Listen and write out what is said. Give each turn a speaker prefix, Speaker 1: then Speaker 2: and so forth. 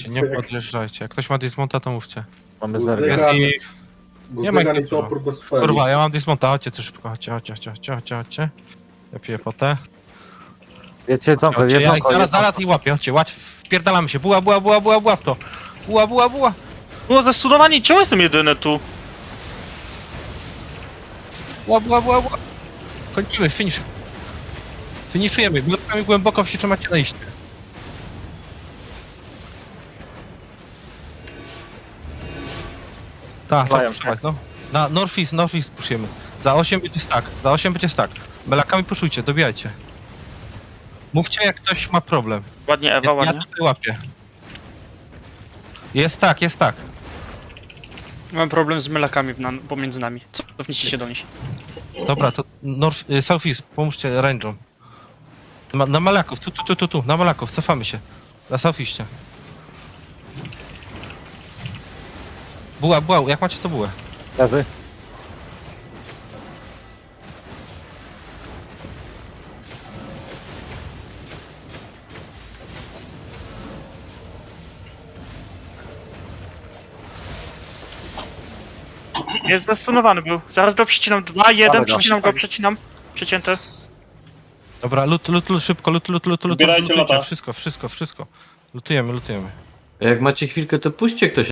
Speaker 1: podjeżdżajcie, nie podjeżdżajcie. Jak ktoś ma dismonta, to mówcie.
Speaker 2: Mamy
Speaker 3: Guzyga-
Speaker 2: zergę.
Speaker 1: Jest i... Nie ma ich
Speaker 3: Guzygan i
Speaker 1: dużo.
Speaker 3: topór bez feli.
Speaker 1: Kurwa, ja mam dismonta, chodźcie co szybko, chodźcie. Ja piję potę.
Speaker 2: Jedźcie jedzonko,
Speaker 1: Chodźcie, ja ich
Speaker 2: jedzonko.
Speaker 1: zaraz ich łapię, chodźcie, wpierdalamy się. Buła w to. Buła.
Speaker 4: Było zestudowani, czemu jestem jedyny tu?
Speaker 1: Buła. Kończymy, finish. Finiszujemy, wioskami głęboko się trzymacie na iście. Tak,
Speaker 2: Mają,
Speaker 1: puszować, no. Na Northeast puszujemy. Za 8 będzie stack. Belakami puszujcie, dobijajcie. Mówcie, jak ktoś ma problem.
Speaker 4: Ładnie Ewa,
Speaker 1: Ja
Speaker 4: ładnie.
Speaker 1: tutaj łapię. Jest tak.
Speaker 4: Mam problem z mylakami pomiędzy nami. Cofnijcie się do nich.
Speaker 1: Dobra, to Southeast, pomóżcie range'om. Na Malaków, tu, na Malaków, cofamy się. Na Southeastie. Buła, jak macie to bułę?
Speaker 2: Lewy.
Speaker 4: Jest zestunowany był. Zaraz go przecinam. 2, 1,
Speaker 2: Dawaj go.
Speaker 4: przecinam go, przecinam. Przecięty.
Speaker 1: Dobra, lut, szybko,
Speaker 5: Zbierajcie
Speaker 1: lutujcie,
Speaker 5: lata.
Speaker 1: wszystko. Lutujemy.
Speaker 6: Jak macie chwilkę, to puśćcie ktoś